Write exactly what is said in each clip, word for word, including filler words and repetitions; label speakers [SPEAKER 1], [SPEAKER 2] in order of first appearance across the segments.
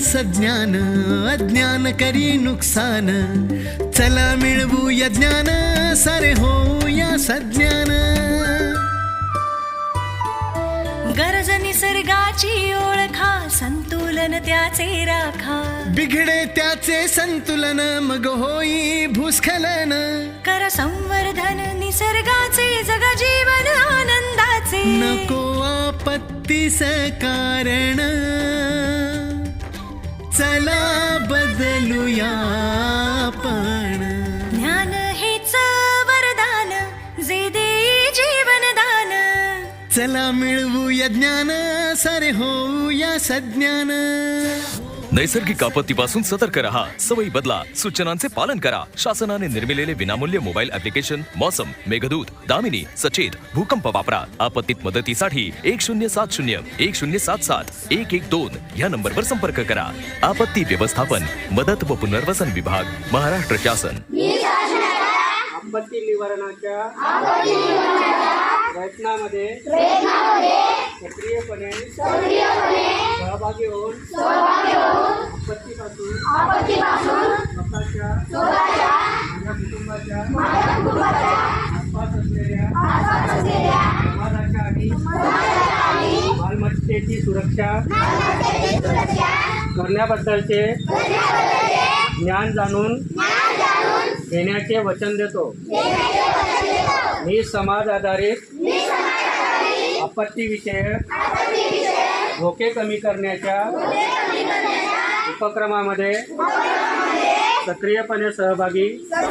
[SPEAKER 1] सज्ञान अज्ञान करी नुकसान चला मिळवूया ज्ञान सारे होऊया सज्ञान
[SPEAKER 2] गरज निसर्गाची ओळखा संतुलन त्याचे राखा
[SPEAKER 1] बिघडे त्याचे संतुलन मग होई भूस्खलन
[SPEAKER 2] कर संवर्धन निसर्गाचे जग जीवन आनंदाचे
[SPEAKER 1] नको आपत्तीस कारण चला बदलूया आपण
[SPEAKER 2] ज्ञान हेच वरदान जे देई जीवनदान
[SPEAKER 1] चला मिळवूया ज्ञान सारे होऊया सज्ञान
[SPEAKER 3] नैसर्गिक आपत्तीपासून सतर्क रहा सवयी बदला सूचनांचे पालन करा शासनाने निर्मिलेले विनामूल्य मोबाईल ऍप्लिकेशन मौसम मेघदूत दामिनी सचेत भूकंप वापरा आपत्तीत मदतीसाठी एक शून्य सात शून्य एक शून्य सात सात एक एक दोन या नंबरवर संपर्क करा आपत्ती व्यवस्थापन मदत व पुनर्वसन विभाग महाराष्ट्र शासन
[SPEAKER 4] आपत्ती निवारणाच्या प्रयत्नामध्ये सक्रियपणे सहभागी होऊन आपत्तीपासून स्वतःच्या माझ्या कुटुंबाच्या आसपास असलेल्या समाजाच्या आणि मालमत्तेची सुरक्षा करण्याबद्दलचे ज्ञान जाणून घेण्याचे वचन देतो मी समाज आधारित आपत्तीविषयक धोके कमी करण्याच्या उपक्रमामध्ये सक्रियपणे सहभागी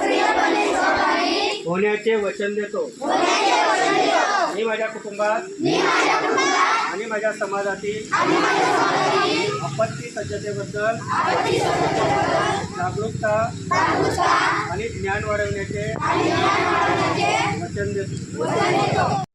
[SPEAKER 4] होण्याचे वचन देतो मी माझ्या कुटुंबात आणि माझ्या समाजातील आपत्ती सज्जतेबद्दल जागरूकता आणि ज्ञान वाढवण्याचे वचन देतो.